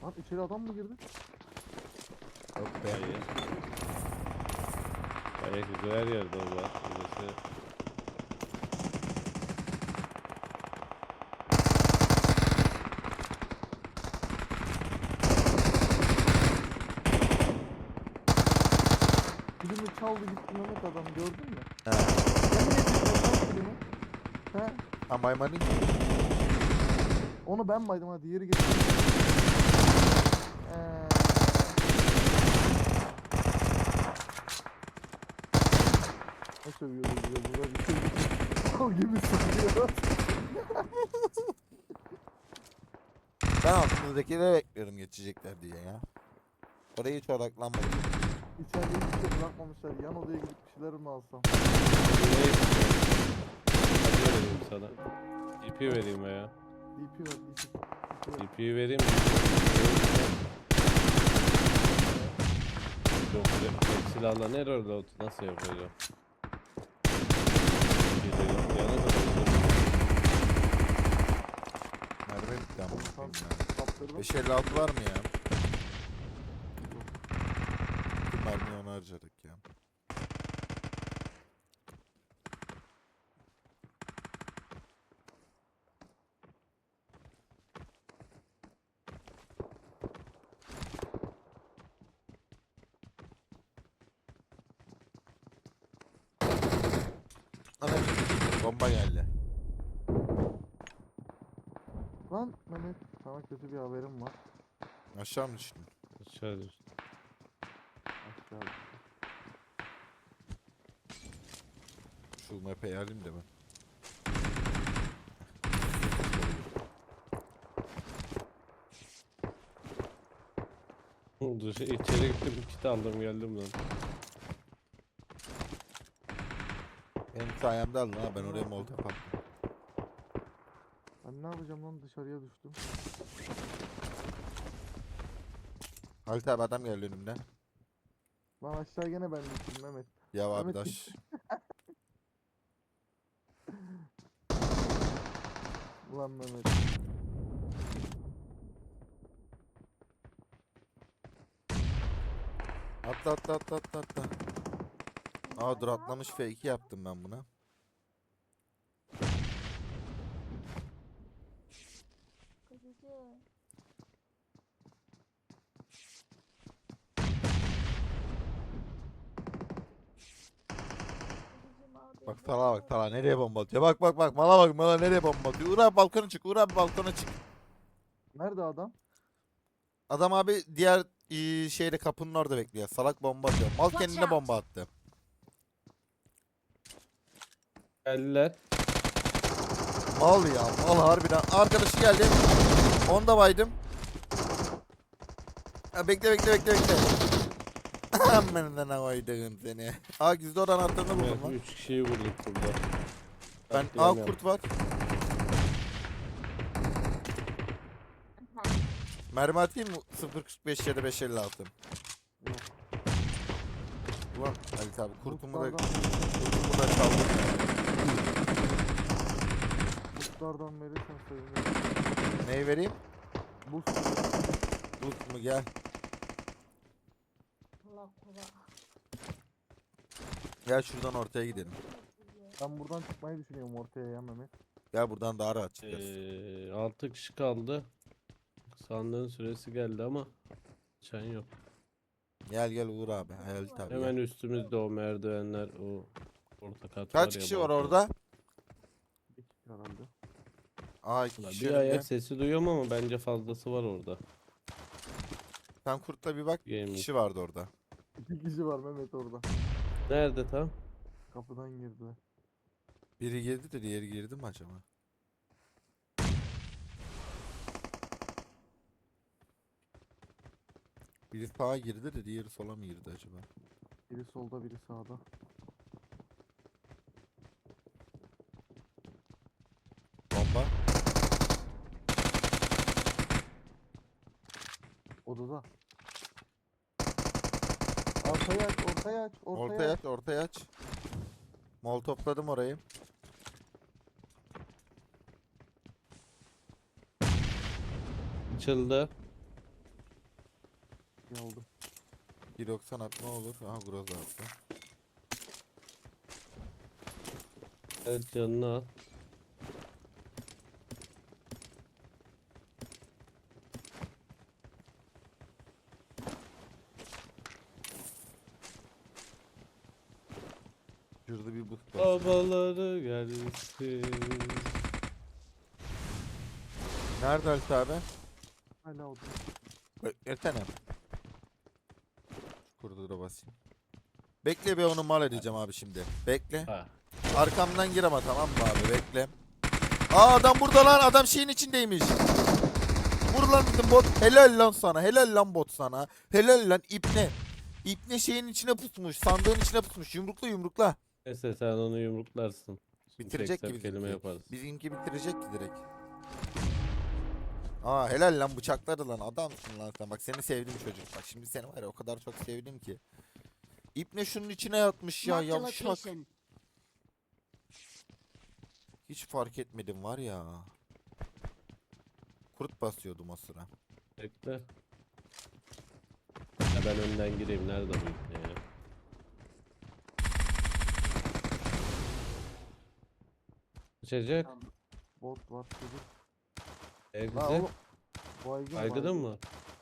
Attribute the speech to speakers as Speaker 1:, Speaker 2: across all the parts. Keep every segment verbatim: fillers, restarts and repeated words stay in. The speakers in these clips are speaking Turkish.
Speaker 1: Lan içeri adam mı girdi?
Speaker 2: Yok be.
Speaker 3: Hayır. Ayak izi her yerde o var. Birisi.
Speaker 1: Filmi çaldı gitti Mehmet adam gördün mü?
Speaker 2: He.
Speaker 1: Yemin ediyorum lan filmi. He.
Speaker 2: Ha maymanın.
Speaker 1: Onu ben baydım ha diğeri gitti. Eee. Ne sövüyoruz bize burada bir şey. O gibi sövüyor.
Speaker 2: Ben altımızdakileri bekliyorum geçecekler diye ya. Oraya hiç odaklanmadım.
Speaker 1: İçeride hiçbir şey bırakmamışlar. Yan odaya gidip bir şeyler mi alsam?
Speaker 3: Burayı Hadi vereyim sana. D P vereyim veya.
Speaker 1: D P ver, D P. D P ver.
Speaker 3: D P'yi vereyim mi? Yok tek silahla nerede oldu? Nasıl yapacağım? Gidelim yana kadar.
Speaker 2: Merve bitti ama.
Speaker 1: Tamam.
Speaker 2: bakayım ya.
Speaker 1: Kaptırdım.
Speaker 2: beş elli altı var mı ya? Bütün mermiyi ona harcadık ya. Ana bomba geldi.
Speaker 1: Lan Mehmet sana kötü bir haberim var.
Speaker 2: Aşağı mı düştün?
Speaker 3: Aşağı düş.
Speaker 1: Aşağı.
Speaker 2: Şu map'e alayım da ben.
Speaker 3: Dur içeri gittim kit aldım geldim lan.
Speaker 2: Benim sayemde aldın ha, ben oraya molotof attım.
Speaker 1: Ben ne yapacağım lan dışarıya düştüm.
Speaker 2: Halit abi adam geldi önümden.
Speaker 1: Lan aşağı gene ben düştüm Mehmet.
Speaker 2: Ya abi
Speaker 1: Mehmet
Speaker 2: daş.
Speaker 1: Ulan Mehmet.
Speaker 2: Atla atla atla atla atla. Aa dur atlamış F iki yaptım ben buna.
Speaker 4: Kızıcı. Kızıcım abi.
Speaker 2: Bak Tala bak Tala nereye bomba atıyor. Bak bak bak mala bak mala nereye bomba atıyor. Uğur abi balkona çık, Uğur abi balkona çık.
Speaker 1: Nerede adam?
Speaker 2: Adam abi diğer eee, şeyde kapının orada bekliyor. Salak bomba atıyor. Mal
Speaker 4: Watch
Speaker 2: kendine
Speaker 4: out.
Speaker 2: bomba attı.
Speaker 3: Geldiler.
Speaker 2: Mal ya mal harbiden. Arkadaşı geldi. Onu da baydım. Ha, bekle bekle bekle bekle. Amına ne koydun seni. Aa gizli odan attığını buldum
Speaker 3: Evet,
Speaker 2: lan.
Speaker 3: üç kişiyi vurduk burada.
Speaker 2: Ben aa
Speaker 3: Katliam
Speaker 2: kurt var. Mermi atayım mı? sıfır kırk beş ya da beş elli altı.
Speaker 1: Yok.
Speaker 2: Ulan Halit abi kurtumu da,
Speaker 1: Kurtlardan,
Speaker 2: kurtumu da çaldım.
Speaker 1: kurtlardan verirsen sevinirim.
Speaker 2: Neyi vereyim?
Speaker 1: Buz.
Speaker 2: Tut mu gel.
Speaker 4: Allah kula.
Speaker 2: Gel şuradan ortaya gidelim.
Speaker 1: Ben buradan çıkmayı düşünüyorum ortaya ya Mehmet.
Speaker 2: Gel buradan daha rahat çıkarız.
Speaker 3: Ee, altı kişi kaldı. Sandığın süresi geldi ama çan yok.
Speaker 2: Gel gel Uğur abi. Halit abi.
Speaker 3: Hemen
Speaker 2: Gel.
Speaker 3: üstümüzde o merdivenler, o orta kat var
Speaker 2: Kaç
Speaker 3: ya,
Speaker 2: kişi var
Speaker 3: balkon.
Speaker 2: orada?
Speaker 1: Bir kişi herhalde.
Speaker 2: Aa iki
Speaker 3: Ulan
Speaker 2: kişi
Speaker 3: bir
Speaker 2: önümde.
Speaker 3: ayak sesi duyuyorum ama bence fazlası var orada.
Speaker 2: Sen kurtla bir bak. Bir
Speaker 3: Yemin.
Speaker 2: kişi vardı orada.
Speaker 1: İki kişi var Mehmet orada.
Speaker 3: Nerede tam?
Speaker 1: Kapıdan girdiler.
Speaker 2: Biri girdi de diğeri girdi mi acaba? Biri sağa girdi de diğeri sola mı girdi acaba?
Speaker 1: Biri solda biri sağda.
Speaker 2: Bomba.
Speaker 1: Odada. Ortaya aç, ortaya aç, ortaya,
Speaker 2: Ortaya
Speaker 1: aç.
Speaker 2: aç, ortaya aç. Mol topladım orayı.
Speaker 3: Açıldı.
Speaker 1: şey oldu.
Speaker 2: bir doksan at ne olur? Aha Groza attı.
Speaker 3: Evet canını al.
Speaker 2: Şurada bir boost var.
Speaker 3: Babaları gelsin.
Speaker 2: Nerede Halit abi?
Speaker 1: Hala oldu.
Speaker 2: Beklesene. Kurdu da basayım. Bekle bir onu mal edeceğim abi şimdi. Bekle.
Speaker 3: Ha.
Speaker 2: Arkamdan gir ama tamam mı abi bekle. Aa adam burada lan, adam şeyin içindeymiş. Vur lan dedim bot. Helal lan sana, helal lan bot sana. Helal lan ipne. İpne şeyin içine pusmuş, sandığın içine pusmuş. Yumrukla yumrukla.
Speaker 3: Neyse sen onu yumruklarsın. Şimdi
Speaker 2: Bitirecek
Speaker 3: tek
Speaker 2: gibi
Speaker 3: kelime
Speaker 2: bizimki.
Speaker 3: yaparız.
Speaker 2: Bizimki bitirecek ki direkt. Aa helal lan, bıçakladı lan, adamsın lan sen. Bak seni sevdim çocuk. Bak şimdi seni var ya o kadar çok sevdim ki. İpne şunun içine yatmış ya,
Speaker 5: Marked a
Speaker 2: yavşak.
Speaker 5: location.
Speaker 2: Hiç fark etmedim var ya. Kurt basıyordum o sıra.
Speaker 3: Bekle. Ya ben önden gireyim. Nerede bu ipne ya? Kaçacak.
Speaker 1: Bot var çocuk.
Speaker 3: E
Speaker 1: La
Speaker 3: güzel.
Speaker 1: oğlum. Baygın
Speaker 3: Aygıdın mı?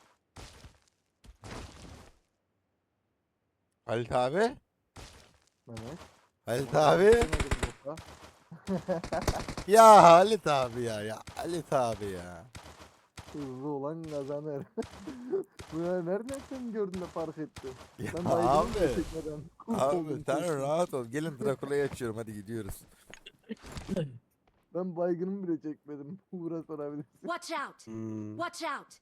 Speaker 2: Halit abi.
Speaker 1: Mehmet.
Speaker 2: Halit
Speaker 1: Ona
Speaker 2: abi.
Speaker 1: bakamadım bota.
Speaker 2: Ya Halit abi ya. Ya Halit abi ya.
Speaker 1: Hızlı olan kazanır. Bu ya nereden sen gördün de fark ettin?
Speaker 2: Ya
Speaker 1: Ben baygınım
Speaker 2: abi.
Speaker 1: gerçekten. Kurt
Speaker 2: Abi
Speaker 1: oldum
Speaker 2: sen
Speaker 1: kesin.
Speaker 2: rahat ol. Gelin Drakula'yı açıyorum, hadi gidiyoruz.
Speaker 1: Ben baygınımı bile çekmedim. Uğra sorabilirsin.
Speaker 5: Watch out!
Speaker 3: Hmm.
Speaker 5: Watch out!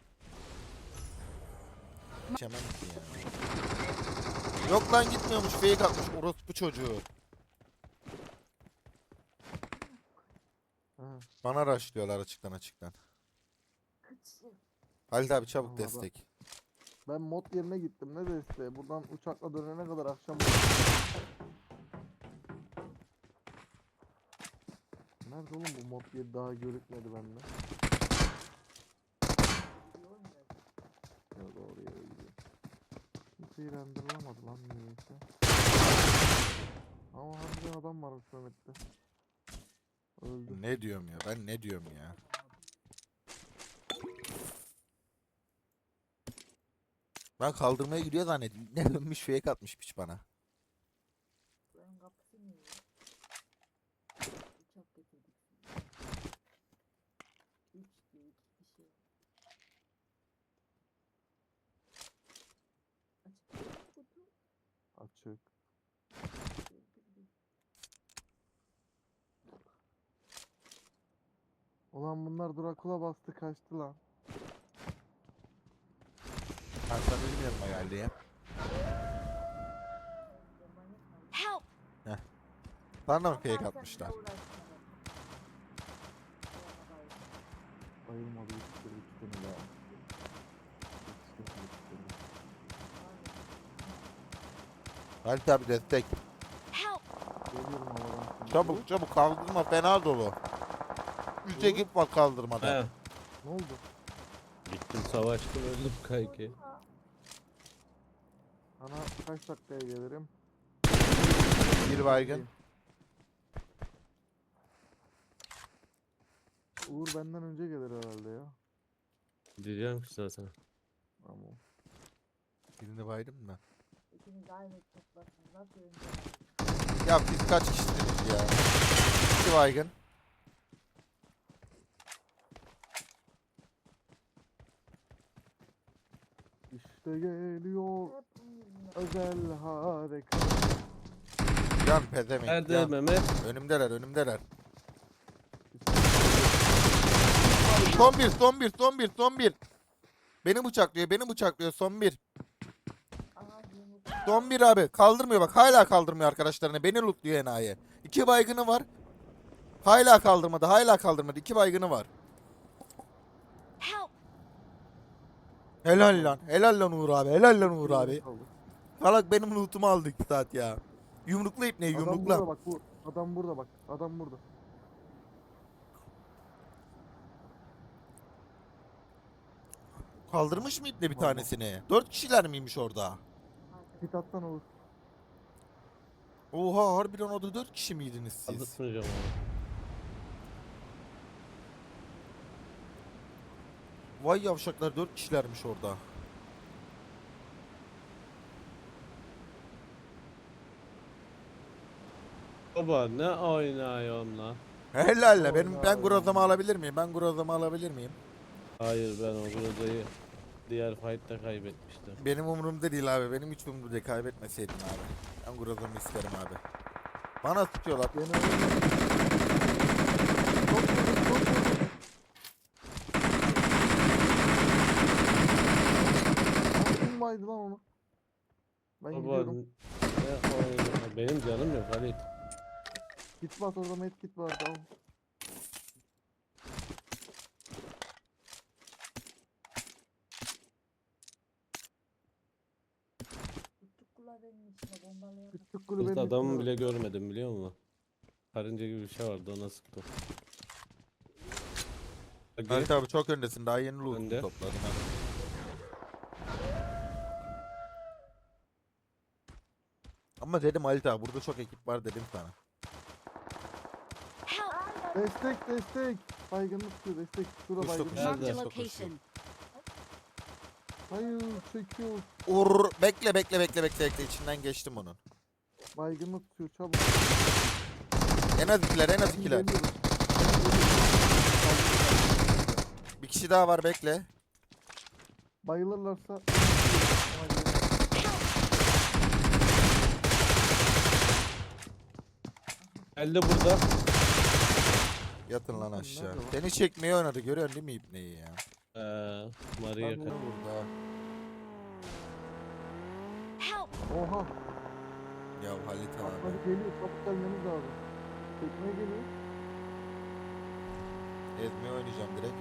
Speaker 2: Geçemem ki ya. Yok lan gitmiyormuş, fake atmış orospu çocuğu.
Speaker 1: Ha,
Speaker 2: Bana rushlıyorlar açıktan açıktan. Halit abi çabuk
Speaker 1: Allah
Speaker 2: destek.
Speaker 1: ben mod yerine gittim. Ne desteği? Buradan uçakla dönene kadar akşam oldu. Nerede oğlum bu mod yeri, daha görükmedi bende. Ya doğru yere gidiyor. Kimseyi renderlamadı lan niyeyse. Ama harbiden adam varmış Mehmet'te. Öldü.
Speaker 2: Ne diyorum ya, ben ne diyorum ya. Ben kaldırmaya gidiyor zannettim. Ne dönmüş, fake atmış piç bana.
Speaker 4: Buranın kapısı niye? Uçak getirdik. Üç diyor, iki kişi. Açık değil mi kutu?
Speaker 1: Açık. Ulan bunlar Drakula bastı kaçtı lan.
Speaker 2: Hasan benim yanıma geldi ya.
Speaker 5: Help!
Speaker 2: Bana da mı fake atmışlar?
Speaker 1: Bayılmadı yetiştirdi iki tane daha. Yetiştirdi, yetiştirdi.
Speaker 2: Halit abi destek.
Speaker 5: Help!
Speaker 1: Geliyorum havadan şimdi.
Speaker 2: Çabuk çabuk, kaldırma fena dolu. Üç ekip var kaldırmada.
Speaker 3: He.
Speaker 1: Ne oldu?
Speaker 3: Gittim savaştım öldüm kanki.
Speaker 1: Ana kaç dakikaya gelirim?
Speaker 2: Bir baygın.
Speaker 1: Uğur benden önce gelir herhalde ya.
Speaker 3: Diyeceğim ki zaten.
Speaker 1: Tamam.
Speaker 2: Birini baydım da.
Speaker 4: İkiniz aynı toplasınız. Nasıl önce?
Speaker 2: Ya biz kaç kişisiniz ya? İki baygın.
Speaker 1: İşte geliyor
Speaker 4: Hep bunun yüzünden.
Speaker 1: özel harekat.
Speaker 2: Can pezemek.
Speaker 3: Nerede
Speaker 2: Can.
Speaker 3: Mehmet?
Speaker 2: Önümdeler önümdeler. Son bir, son bir, son bir, son bir. Beni bıçaklıyor, beni bıçaklıyor, son bir.
Speaker 4: Aha yumruk.
Speaker 2: Son bir abi. Kaldırmıyor bak, hala kaldırmıyor arkadaşlarını. Beni lootluyor enayi. İki baygını var. Hala kaldırmadı, hala kaldırmadı. İki baygını var.
Speaker 5: Help!
Speaker 2: Helal lan, helal lan Uğur abi, helal lan Uğur
Speaker 1: Bir
Speaker 2: abi.
Speaker 1: kaldı.
Speaker 2: Salak benim lootumu aldı iki saat ya. Yumrukla ipneyi,
Speaker 1: Adam
Speaker 2: yumrukla.
Speaker 1: burada bak bu. Adam burada bak. Adam burada.
Speaker 2: Kaldırmış mı ipne bir
Speaker 1: Vallahi.
Speaker 2: tanesini? Dört kişiler miymiş orada?
Speaker 1: Git atsan olur.
Speaker 2: Oha harbiden orada dört kişi miydiniz siz?
Speaker 3: Aldırtmayacağım onu.
Speaker 2: Vay yavşaklar dört kişilermiş orada.
Speaker 3: Baba ne oynuyorsun lan?
Speaker 2: Helal la benim
Speaker 1: Oy
Speaker 2: ben
Speaker 1: ya.
Speaker 2: grozamı alabilir miyim? Ben grozamı alabilir miyim?
Speaker 3: Hayır ben o Groza'yı diğer fight'ta kaybetmiştim.
Speaker 2: Benim umurumda değil abi. Benim hiç umurumda değil. Kaybetmeseydin abi. Ben grozamı isterim abi. Bana tutuyorlar.
Speaker 1: Beni öyle. Çok vurdum, çok vurdum. Aklım vardı lan onu. Ben
Speaker 3: Baba
Speaker 1: gidiyorum.
Speaker 3: ne oynuyorsun? Benim canım yok Halit.
Speaker 1: Git bas orada med kit var tamam.
Speaker 4: Tuttuk kulağının içine bombalayalım.
Speaker 1: Küçük kulübenin
Speaker 3: Kızda adamı
Speaker 1: içinde
Speaker 3: bile
Speaker 1: var.
Speaker 3: görmedim biliyor musun? Karınca gibi bir şey vardı ona sıktım. Bak,
Speaker 2: Halit abi çok öndesin. Daha yeni loot'u
Speaker 3: Önde.
Speaker 2: topladım. ha. Ama dedim Halit abi burada çok ekip var dedim sana.
Speaker 5: Help!
Speaker 1: Destek destek. Baygınlık tutuyor destek. Şurada
Speaker 2: Kuş da
Speaker 1: baygınlık.
Speaker 2: kuş.
Speaker 5: Marked a
Speaker 3: Nerede?
Speaker 5: location.
Speaker 1: Hayır çekiyor.
Speaker 2: Ur bekle bekle bekle bekle bekle içinden geçtim onun.
Speaker 1: Baygınlık tutuyor çabuk.
Speaker 2: En az ikiler en az
Speaker 1: Ben
Speaker 2: ikiler.
Speaker 1: geliyorum.
Speaker 2: Bir kişi daha var bekle.
Speaker 1: Bayılırlarsa
Speaker 3: Geldi burada.
Speaker 2: Yatın lan
Speaker 1: Nerede
Speaker 2: aşağı.
Speaker 1: o?
Speaker 2: Seni çekmeye oynadı görüyorsun değil mi ipneyi ya?
Speaker 3: Ee, Maria
Speaker 1: Ben
Speaker 3: ka-
Speaker 1: bunu-
Speaker 2: Burada.
Speaker 5: Help!
Speaker 1: oha.
Speaker 2: Ya Halit
Speaker 1: Bak
Speaker 2: abi.
Speaker 1: hadi geliyor çabuk gelmemiz lazım. Çekmeye geliyor.
Speaker 2: Ezmeye oynayacağım direkt.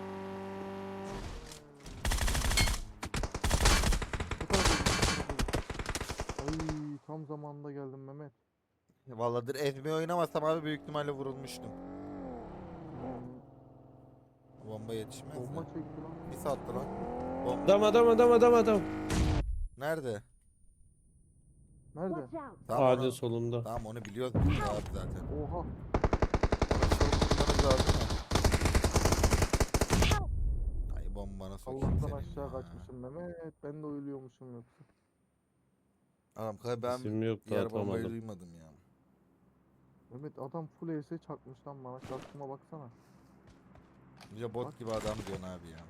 Speaker 1: Bu tarafa gidiyor. Ay tam zamanında geldim Mehmet.
Speaker 2: Vallahi dir ezmeye oynamasam abi büyük ihtimalle vurulmuştum. Bomba yetişmez
Speaker 1: Bomba
Speaker 2: mi?
Speaker 1: çekti lan.
Speaker 2: Bir saatte lan. Bomba.
Speaker 3: Adam adam adam adam adam.
Speaker 2: Nerede?
Speaker 1: Nerede?
Speaker 5: Watch out!
Speaker 2: Tamam,
Speaker 3: Ağacın
Speaker 2: onu,
Speaker 3: solunda.
Speaker 2: tamam onu biliyoruz biz abi zaten.
Speaker 1: Oha.
Speaker 2: Onu çabuk bulmanız lazım ya.
Speaker 5: Help!
Speaker 2: Ay bombana sokayım
Speaker 1: Allah'tan
Speaker 2: senin
Speaker 1: aşağı
Speaker 2: ya.
Speaker 1: kaçmışım Mehmet. Ben de ölüyormuşum yoksa.
Speaker 2: Adam kay ben
Speaker 3: İsim yoktu
Speaker 2: diğer bombayı
Speaker 3: atamadım.
Speaker 2: duymadım ya.
Speaker 1: Mehmet adam full E S çakmış lan bana. Şansıma baksana.
Speaker 2: Ya bot
Speaker 1: Bak.
Speaker 2: gibi adam diyorsun abi ya.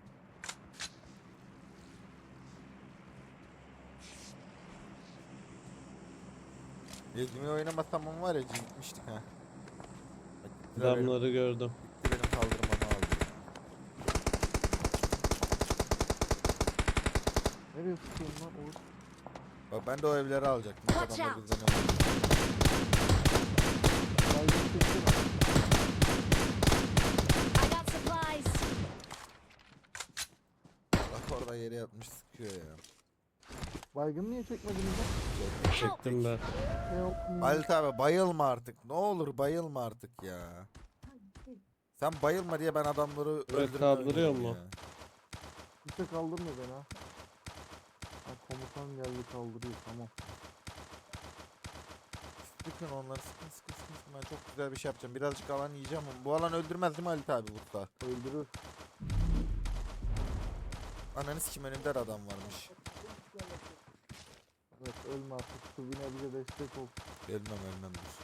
Speaker 2: Ezmeye oynamasam ama var ya gitmiştik ha. Bak, gittiler benim-
Speaker 3: Adamları gördüm.
Speaker 2: gitti benim kaldırmamı aldı ya.
Speaker 1: Nereye sıkıyorsun lan Oğuz?
Speaker 2: Bak ben de o evleri alacaktım. Bak
Speaker 5: Watch
Speaker 2: adamlar
Speaker 5: out.
Speaker 2: bizden önce.
Speaker 1: Baygın çeksene.
Speaker 5: I got supplies!
Speaker 2: Bak orada yere yatmış sıkıyor ya.
Speaker 1: Baygın niye çekmediniz lan?
Speaker 5: Help!
Speaker 3: Çektim ben.
Speaker 1: Help me.
Speaker 2: Halit abi bayılma artık. Ne olur bayılma artık ya. Sen bayılma diye ben adamları öldürmeye
Speaker 3: kaldırıyor
Speaker 2: oynuyorum
Speaker 3: mu?
Speaker 2: ya.
Speaker 1: Kimse kaldırmıyor beni ha. Ha komutan geldi kaldırıyor tamam.
Speaker 2: Sıkın onları sıkın sıkın sıkın sıkın. Ben çok güzel bir şey yapacağım. Birazcık alan yiyeceğim ama bu alan öldürmez değil mi Halit abi burada?
Speaker 1: Öldürür.
Speaker 2: Ananı sikim önümde de adam varmış.
Speaker 1: Evet ölme artık. Subine bize destek ol.
Speaker 2: Ölmem ölmem dur.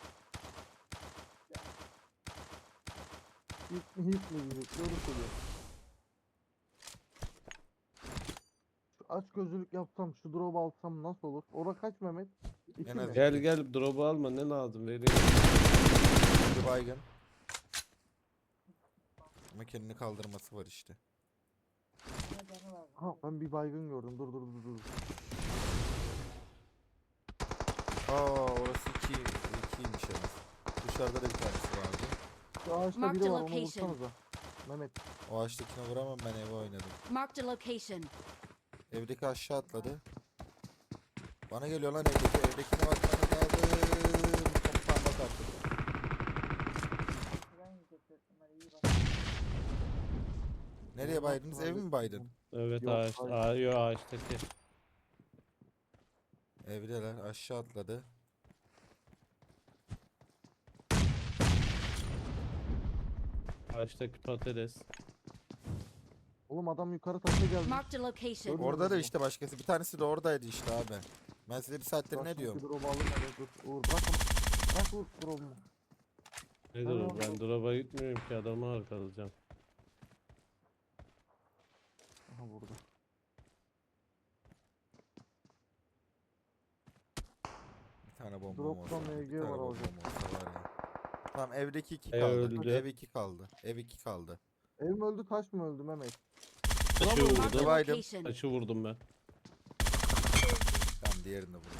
Speaker 1: Hit mi hit mi diyecek. Doğru söylüyor. Şu aç gözlülük yapsam şu drop alsam nasıl olur? Ora kaç Mehmet? İki
Speaker 2: En az
Speaker 1: mi?
Speaker 3: Gel gel drop'u alma ne lazım vereyim.
Speaker 2: Bir baygın. Ama kendini kaldırması var işte.
Speaker 4: Ne canı var.
Speaker 1: Ha ben bir baygın gördüm. Dur dur dur dur.
Speaker 2: Aa orası iki, ikiymiş evet. Dışarıda da bir tanesi vardı.
Speaker 1: Şu ağaçta
Speaker 5: Marked
Speaker 1: biri
Speaker 5: a
Speaker 1: var onu
Speaker 5: location.
Speaker 1: vursanıza. Mehmet.
Speaker 2: O ağaçtakine vuramam ben eve oynadım.
Speaker 5: Marked a location.
Speaker 2: Evdeki aşağı atladı. Bana geliyor lan evdeki. Evdekine bakmanız lazım. Komutan bak artık.
Speaker 4: Ben yiyecek bunları iyi bak.
Speaker 2: Nereye baydınız? Ev mi baydın?
Speaker 3: Evet
Speaker 1: Yok,
Speaker 3: ağaç.
Speaker 1: hayır.
Speaker 3: Aa, yok ağaçtaki.
Speaker 2: Evdeler. Aşağı atladı.
Speaker 3: Ağaçtaki patates.
Speaker 1: Oğlum adam yukarı taşa geldi.
Speaker 5: Marked a location.
Speaker 1: Gördün
Speaker 2: Orada da
Speaker 1: mü?
Speaker 2: işte başkası. Bir tanesi de oradaydı işte abi. Ben size bir saattir ne
Speaker 1: Bırak
Speaker 2: diyorum?
Speaker 1: şu drop'u alın hele, dur. Uğur bırak onu. Bırak Uğur drop'umu.
Speaker 3: Nedir
Speaker 1: Tamam,
Speaker 3: o? Ben
Speaker 1: tamam.
Speaker 3: drop'a gitmiyorum ki adamı arkalayacağım.
Speaker 1: Aha burada.
Speaker 2: Bir tane bomba
Speaker 1: Drop'tan
Speaker 2: olsa.
Speaker 1: M
Speaker 2: Bir
Speaker 1: G
Speaker 2: tane
Speaker 1: var
Speaker 2: bomba
Speaker 1: alacak.
Speaker 2: olsa var ya. Tamam evdeki iki
Speaker 3: Ev
Speaker 2: kaldı.
Speaker 3: öldü.
Speaker 2: Ev iki kaldı. Ev iki kaldı.
Speaker 1: Ev mi öldü taş mı öldü Mehmet?
Speaker 3: Taşı
Speaker 5: Marked
Speaker 3: vurdum.
Speaker 5: a
Speaker 2: Divided.
Speaker 5: location.
Speaker 3: Taşı vurdum ben.
Speaker 2: Tamam diğerini vurdum.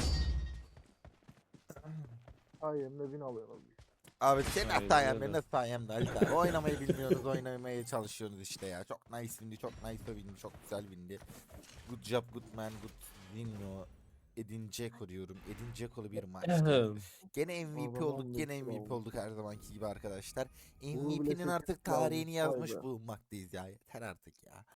Speaker 1: Ay Emre win alıyor abi.
Speaker 2: Abi senin
Speaker 3: Aynen
Speaker 2: hatan yani
Speaker 3: öyle.
Speaker 2: benim sayemde Ali abi. Oynamayı bilmiyorsunuz, oynamaya çalışıyorsunuz işte ya. Çok nice windi, çok nice windi, çok güzel windi. Good job, good man, good win o. Edin Dzeko diyorum. Edin Dzeko'lu bir maç. Gene M V P
Speaker 1: Adam
Speaker 2: olduk, gene
Speaker 1: on beş
Speaker 2: M V P
Speaker 1: oldu.
Speaker 2: olduk her zamanki gibi arkadaşlar.
Speaker 1: bile
Speaker 2: M V P'nin
Speaker 1: sekiz
Speaker 2: artık
Speaker 1: kaldı,
Speaker 2: tarihini
Speaker 1: vay
Speaker 2: yazmış
Speaker 1: be.
Speaker 2: bulunmaktayız ya. Yeter artık ya.